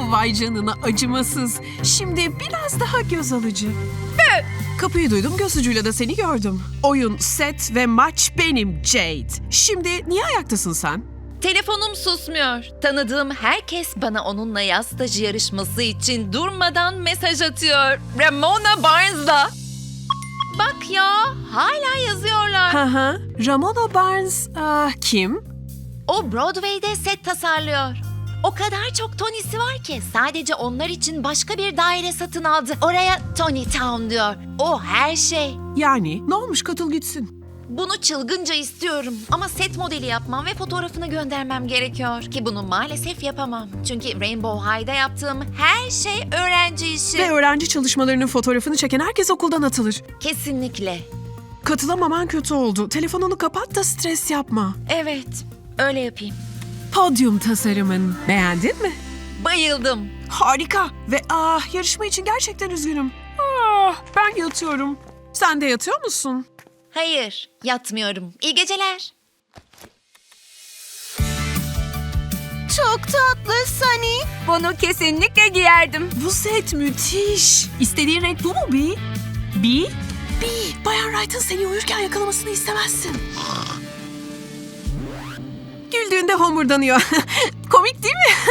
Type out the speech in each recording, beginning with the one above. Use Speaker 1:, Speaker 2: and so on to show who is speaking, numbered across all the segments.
Speaker 1: Vay canına acımasız. Şimdi biraz daha göz alıcı. Kapıyı duydum, göz ucuyla da seni gördüm. Oyun, set ve maç benim Jade. Şimdi niye ayaktasın sen?
Speaker 2: Telefonum susmuyor. Tanıdığım herkes bana onunla yaz stajı yarışması için durmadan mesaj atıyor. Ramona Barnes'la. Bak ya, hala yazıyorlar.
Speaker 1: Haha. Ramona Barnes kim?
Speaker 2: O Broadway'de set tasarlıyor. O kadar çok Tony'si var ki sadece onlar için başka bir daire satın aldı. Oraya Tony Town diyor. O her şey.
Speaker 1: Yani ne olmuş, katıl gitsin.
Speaker 2: Bunu çılgınca istiyorum ama set modeli yapmam ve fotoğrafını göndermem gerekiyor ki bunu maalesef yapamam. Çünkü Rainbow High'da yaptığım her şey öğrenci işi.
Speaker 1: Ve öğrenci çalışmalarının fotoğrafını çeken herkes okuldan atılır.
Speaker 2: Kesinlikle.
Speaker 1: Katılamaman kötü oldu. Telefonunu kapat da stres yapma.
Speaker 2: Evet, öyle yapayım.
Speaker 1: Podyum tasarımın. Beğendin mi?
Speaker 2: Bayıldım.
Speaker 1: Harika. Ve yarışma için gerçekten üzgünüm. Ben yatıyorum. Sen de yatıyor musun?
Speaker 2: Hayır, yatmıyorum. İyi geceler.
Speaker 3: Çok tatlı Sunny. Bunu kesinlikle giyerdim.
Speaker 1: Bu set müthiş. İstediğin renk bu mu Bee? Bee? Bee, Bayan Wright'ın seni uyurken yakalamasını istemezsin. Güldüğünde homurdanıyor. Komik değil mi?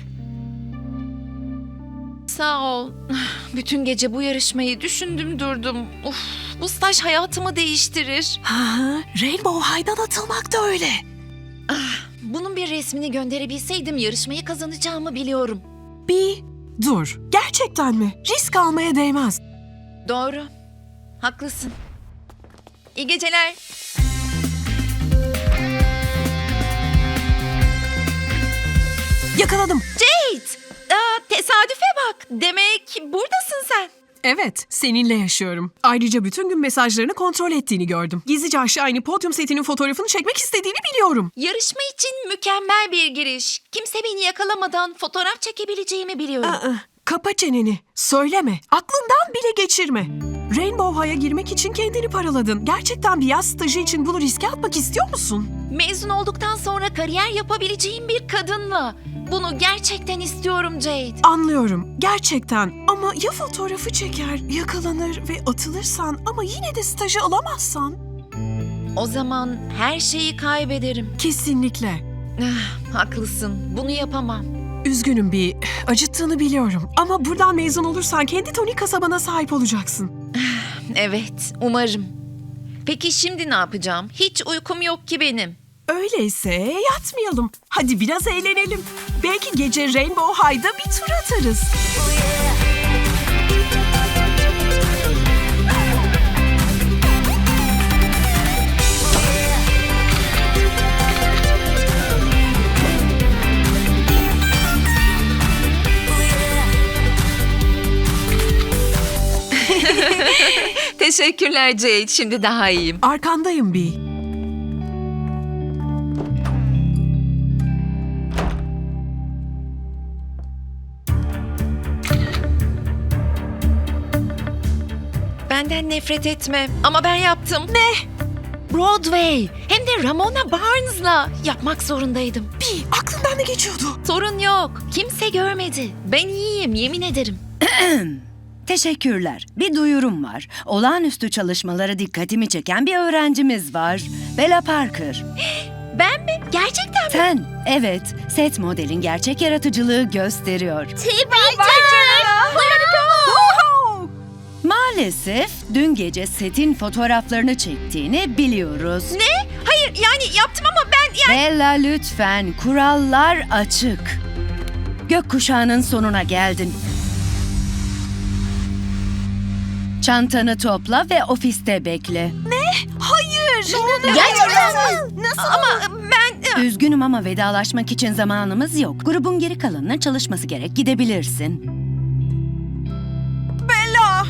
Speaker 2: Sağ ol. Bütün gece bu yarışmayı düşündüm durdum. Uf, bu staj hayatımı değiştirir.
Speaker 1: Rainbow High'dan atılmak da öyle.
Speaker 2: Bunun bir resmini gönderebilseydim yarışmayı kazanacağımı biliyorum.
Speaker 1: Bee, dur. Gerçekten mi? Risk almaya değmez.
Speaker 2: Doğru. Haklısın. İyi geceler.
Speaker 1: Yakaladım.
Speaker 2: Jade! Tesadüfe bak. Demek buradasın sen.
Speaker 1: Evet, seninle yaşıyorum. Ayrıca bütün gün mesajlarını kontrol ettiğini gördüm. Gizlice aşağı inip podyum setinin fotoğrafını çekmek istediğini biliyorum.
Speaker 2: Yarışma için mükemmel bir giriş. Kimse beni yakalamadan fotoğraf çekebileceğimi biliyorum.
Speaker 1: Kapa çeneni. Söyleme. Aklından bile geçirme. Rainbow High'a girmek için kendini paraladın. Gerçekten bir yaz stajı için bunu riske atmak istiyor musun?
Speaker 2: Mezun olduktan sonra kariyer yapabileceğim bir kadınla. Bunu gerçekten istiyorum Jade.
Speaker 1: Anlıyorum. Gerçekten. Ama ya fotoğrafı çeker, yakalanır ve atılırsan ama yine de stajı alamazsan?
Speaker 2: O zaman her şeyi kaybederim.
Speaker 1: Kesinlikle.
Speaker 2: Haklısın. Bunu yapamam.
Speaker 1: Üzgünüm bir. Acıttığını biliyorum. Ama buradan mezun olursan kendi Tony kasabana sahip olacaksın.
Speaker 2: Evet, umarım. Peki şimdi ne yapacağım? Hiç uykum yok ki benim.
Speaker 1: Öyleyse yatmayalım. Hadi biraz eğlenelim. Belki gece Rainbow High'da bir tur atarız.
Speaker 2: Teşekkürler Jade. Şimdi daha iyiyim.
Speaker 1: Arkandayım Bee.
Speaker 2: Benden nefret etme. Ama ben yaptım. Ne? Broadway. Hem de Ramona Barnes'la. Yapmak zorundaydım.
Speaker 1: Bee, aklından ne geçiyordu?
Speaker 2: Sorun yok. Kimse görmedi. Ben iyiyim, yemin ederim.
Speaker 4: Teşekkürler. Bir duyurum var. Olağanüstü çalışmaları dikkatimi çeken bir öğrencimiz var. Bella Parker.
Speaker 2: Ben mi? Gerçekten mi?
Speaker 4: Sen, evet. Set modelin gerçek yaratıcılığı gösteriyor. Maalesef dün gece setin fotoğraflarını çektiğini biliyoruz.
Speaker 2: Ne? Hayır, yani yaptım ama ben...
Speaker 4: Bella lütfen, kurallar açık. Gökkuşağının sonuna geldin. Çantanı topla ve ofiste bekle.
Speaker 1: Hayır.
Speaker 2: Gerçekten mi? Nasıl? Ama ben...
Speaker 4: Üzgünüm ama vedalaşmak için zamanımız yok. Grubun geri kalanına çalışması gerek. Gidebilirsin.
Speaker 1: Bella.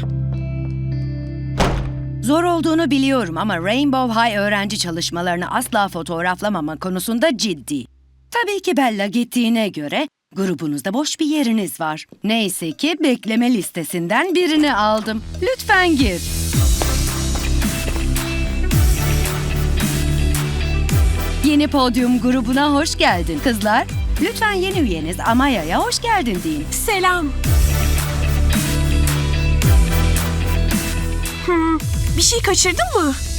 Speaker 4: Zor olduğunu biliyorum ama Rainbow High öğrenci çalışmalarını asla fotoğraflamama konusunda ciddi. Tabii ki Bella gittiğine göre grubunuzda boş bir yeriniz var. Neyse ki bekleme listesinden birini aldım. Lütfen gir. Yeni podyum grubuna hoş geldin kızlar. Lütfen yeni üyeniz Amaya'ya hoş geldin deyin.
Speaker 1: Selam. Bir şey kaçırdın mı?